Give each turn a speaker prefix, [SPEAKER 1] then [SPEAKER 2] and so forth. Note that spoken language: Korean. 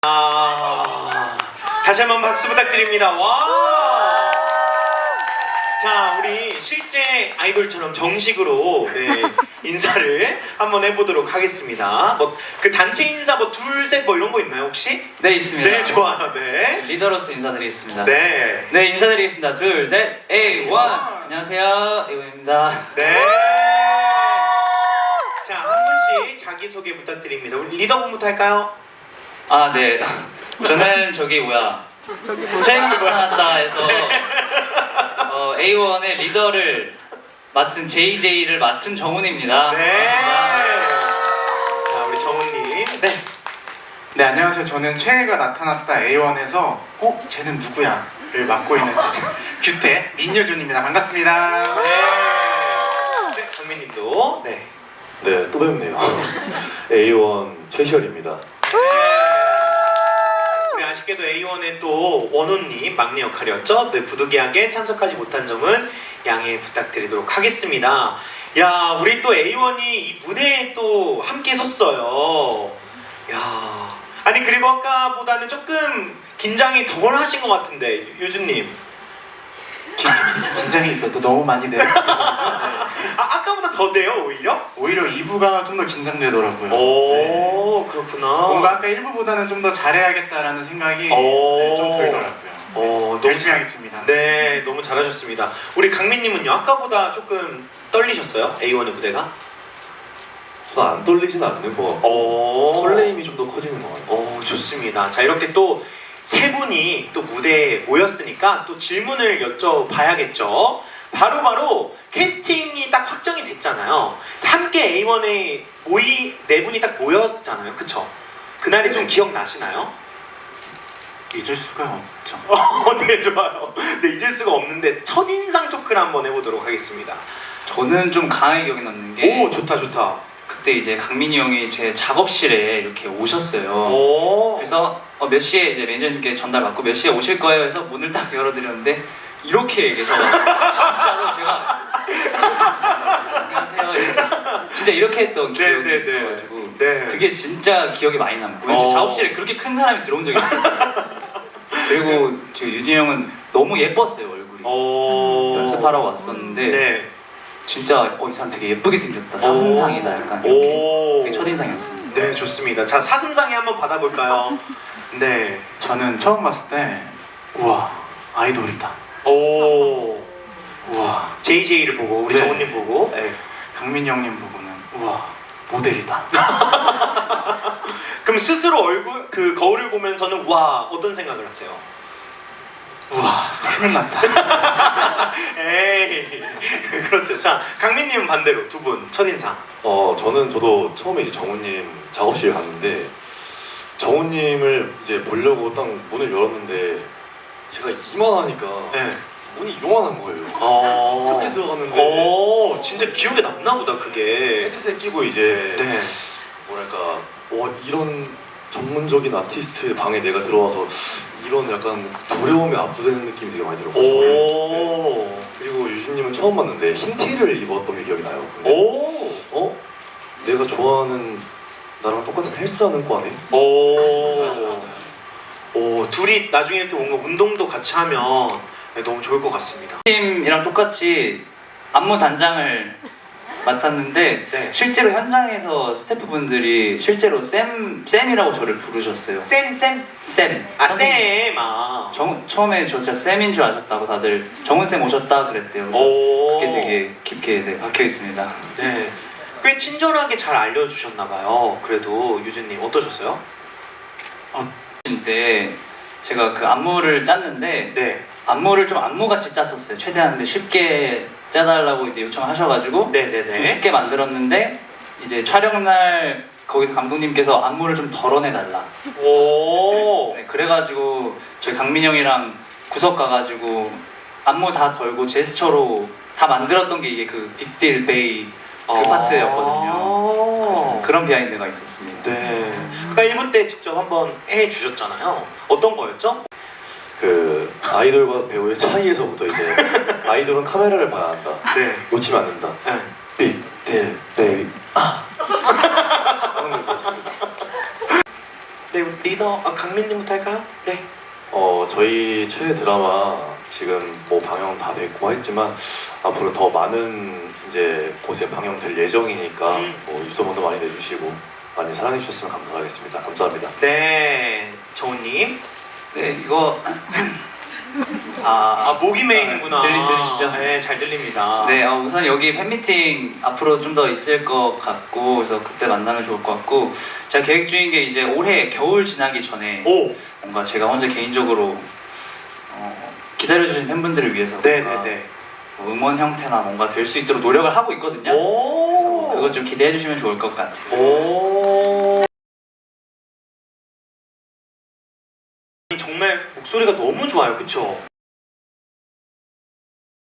[SPEAKER 1] 다시 한번 박수 부탁드립니다. 와! 자, 우리 실제 아이돌처럼 정식으로 인사를 한번 해보도록 하겠습니다. 뭐 그 단체 인사 뭐 둘, 셋 뭐 이런 거 있나요 혹시?
[SPEAKER 2] 네, 있습니다.
[SPEAKER 1] 네, 좋아요. 네.
[SPEAKER 2] 리더로서 인사드리겠습니다.
[SPEAKER 1] 네.
[SPEAKER 2] 네, 인사드리겠습니다. 둘, 셋, A1. 안녕하세요, A1입니다.
[SPEAKER 1] 네. 자, 한 분씩 자기소개 부탁드립니다. 우리 리더분부터 할까요?
[SPEAKER 2] 아, 네. 저는 최근 나타났다에서 A1의 리더를 맡은 JJ를 맡은 정훈입니다.
[SPEAKER 1] 네.
[SPEAKER 2] 반갑습니다.
[SPEAKER 1] 자, 우리 정훈님. 네.
[SPEAKER 3] 네, 안녕하세요. 저는 최애가 나타났다 A1에서 쟤는 누구야?를 맡고 있는 규태 민유준입니다. 반갑습니다.
[SPEAKER 1] 네. 네, 강민님도. 네.
[SPEAKER 4] 네, 또 뵙네요. A1 최시열입니다.
[SPEAKER 1] 우리 아쉽게도 A1의 또 원호님 막내 역할이었죠. 네, 부득이하게 참석하지 못한 점은 양해 부탁드리도록 하겠습니다. 야, 우리 또 A1이 이 무대에 또 함께 섰어요. 야, 아니 그리고 아까보다는 조금 긴장이 덜 하신 것 같은데 유준님.
[SPEAKER 3] 긴장이 너무 많이 돼요.
[SPEAKER 1] 아까보다 더 돼요 오히려?
[SPEAKER 3] 오히려 2부가 좀 더 긴장되더라고요.
[SPEAKER 1] 오, 그렇구나.
[SPEAKER 3] 뭔가 아까 1부보다는 좀 더 잘해야겠다라는 생각이 좀 들더라고요.
[SPEAKER 1] 너무
[SPEAKER 3] 열심히 하겠습니다.
[SPEAKER 1] 네, 너무 잘하셨습니다. 우리 강민님은요? 아까보다 조금 떨리셨어요? A1의 무대가?
[SPEAKER 4] 전 안 떨리진 않는 것 같고 설레임이 좀 더 커지는 것 같아요.
[SPEAKER 1] 좋습니다. 자, 이렇게 또 세 분이 또 무대에 모였으니까 또 질문을 여쭤봐야겠죠. 바로 캐스팅이 딱 확정이 됐잖아요. 함께 A1에 네 분이 딱 모였잖아요. 그쵸? 그날이 좀 기억나시나요?
[SPEAKER 3] 잊을 수가 없죠.
[SPEAKER 1] 네, 좋아요. 네, 잊을 수가 없는데 첫인상 토크를 한번 해보도록 하겠습니다.
[SPEAKER 2] 저는 좀 강하게 기억에 남는 게
[SPEAKER 1] 오, 좋다.
[SPEAKER 2] 그때 이제 강민이 형이 제 작업실에 이렇게 오셨어요.
[SPEAKER 1] 오.
[SPEAKER 2] 그래서 몇 시에 이제 매니저님께 전달 받고 몇 시에 오실 거예요 해서 문을 딱 열어드렸는데 이렇게 얘기해서 진짜로 제가 안녕하세요 진짜 이렇게 했던 기억이
[SPEAKER 1] 네.
[SPEAKER 2] 있어가지고
[SPEAKER 1] 네.
[SPEAKER 2] 그게 진짜 기억에 많이 남고 왠지 작업실에 그렇게 큰 사람이 들어온 적이 없어요. 그리고 저 유진이 형은 너무 예뻤어요 얼굴이. 연습하러 왔었는데
[SPEAKER 1] 네.
[SPEAKER 2] 진짜 이 사람 되게 예쁘게 생겼다, 사슴상이다 약간 이렇게 되게 첫인상이었습니다.
[SPEAKER 1] 네, 좋습니다. 자, 사슴상이 한번 받아볼까요? 네.
[SPEAKER 3] 저는 처음 봤을 때 우와 아이돌이다.
[SPEAKER 1] 오.
[SPEAKER 3] 우와
[SPEAKER 1] JJ를 보고 우리
[SPEAKER 3] 네.
[SPEAKER 1] 정훈님 보고. 네.
[SPEAKER 3] 강민이 형님 보고는 우와 모델이다.
[SPEAKER 1] 그럼 스스로 얼굴 그 거울을 보면서는 와 어떤 생각을 하세요?
[SPEAKER 3] 우와 큰일 났다.
[SPEAKER 1] 에이 그렇죠. 자, 강민님은 반대로 두 분 첫인상.
[SPEAKER 4] 저도 처음에 이제 정우님 작업실에 갔는데 정우님을 이제 보려고 딱 문을 열었는데 제가 이만하니까
[SPEAKER 1] 네.
[SPEAKER 4] 문이 요만한 거예요. 이렇게 들어갔는데
[SPEAKER 1] 진짜 기억에 남나 보다 그게.
[SPEAKER 4] 헤드셋 끼고 이제
[SPEAKER 1] 네.
[SPEAKER 4] 뭐랄까 이런 전문적인 아티스트 방에 내가 들어와서 이런 약간 두려움에 압도되는 느낌이 되게 많이 들었거든요. 네. 그리고 유진님은 처음 봤는데 흰 티를 입었던 게 기억이 나요. 근데 내가 좋아하는 나랑 똑같은 헬스하는 과네?
[SPEAKER 1] 둘이 나중에 또 뭔가 운동도 같이 하면 너무 좋을 것 같습니다.
[SPEAKER 2] 팀이랑 똑같이 안무 단장을 맡았는데
[SPEAKER 1] 네.
[SPEAKER 2] 실제로 현장에서 스태프분들이 실제로 쌤이라고 저를 부르셨어요.
[SPEAKER 1] 쌤?
[SPEAKER 2] 쌤.
[SPEAKER 1] 쌤.
[SPEAKER 2] 처음에 저 진짜 쌤인 줄 아셨다고 다들 정훈 쌤 오셨다 그랬대요. 그게 되게 깊게 박혀 있습니다.
[SPEAKER 1] 네. 꽤 친절하게 잘 알려주셨나 봐요. 그래도 유진님 어떠셨어요?
[SPEAKER 2] 때 제가 그 안무를 짰는데
[SPEAKER 1] 네.
[SPEAKER 2] 안무를 좀 안무같이 짰었어요. 최대한 근데 쉽게 짜달라고 이제 요청하셔가지고
[SPEAKER 1] 네네네.
[SPEAKER 2] 좀 쉽게 만들었는데 이제 촬영날 거기서 감독님께서 안무를 좀 덜어내달라. 네, 그래가지고 저희 강민 형이랑 구석 가가지고 안무 다 덜고 제스처로 다 만들었던 게 이게 그 빅딜 베이 그 파트였거든요. 그런 비하인드가 있었습니다.
[SPEAKER 1] 네. 아까 1부 때 직접 한번 해주셨잖아요. 어떤 거였죠?
[SPEAKER 4] 그 아이돌과 배우의 차이에서부터 이제 아이돌은 카메라를 봐야 한다.
[SPEAKER 1] 네.
[SPEAKER 4] 놓치면 안 된다.
[SPEAKER 1] 네.
[SPEAKER 4] 빅딜 베이비 하는 거였습니다.
[SPEAKER 1] 네, 리더 강민님부터 할까요? 네.
[SPEAKER 4] 저희 최애 드라마 지금 뭐 방영 다 됐고 했지만 앞으로 더 많은 이제 곳에 방영될 예정이니까 뭐 입소문도 많이 내주시고 많이 사랑해 주셨으면 감사하겠습니다. 감사합니다.
[SPEAKER 1] 네, 정우님.
[SPEAKER 2] 네, 이거
[SPEAKER 1] 목이 메이는구나.
[SPEAKER 2] 들리시죠?
[SPEAKER 1] 네, 잘 들립니다.
[SPEAKER 2] 네, 우선 여기 팬미팅 앞으로 좀 더 있을 것 같고 그래서 그때 만나면 좋을 것 같고 제가 계획 중인 게 이제 올해 겨울 지나기 전에
[SPEAKER 1] 오,
[SPEAKER 2] 뭔가 제가 혼자 개인적으로 기다려주신 팬분들을 위해서 뭔가
[SPEAKER 1] 네네네.
[SPEAKER 2] 응원 형태나 뭔가 될 수 있도록 노력을 하고 있거든요. 그래서
[SPEAKER 1] 오,
[SPEAKER 2] 그것 좀 기대해 주시면 좋을 것 같아요.
[SPEAKER 1] 오. 정말 목소리가 너무 좋아요, 그쵸?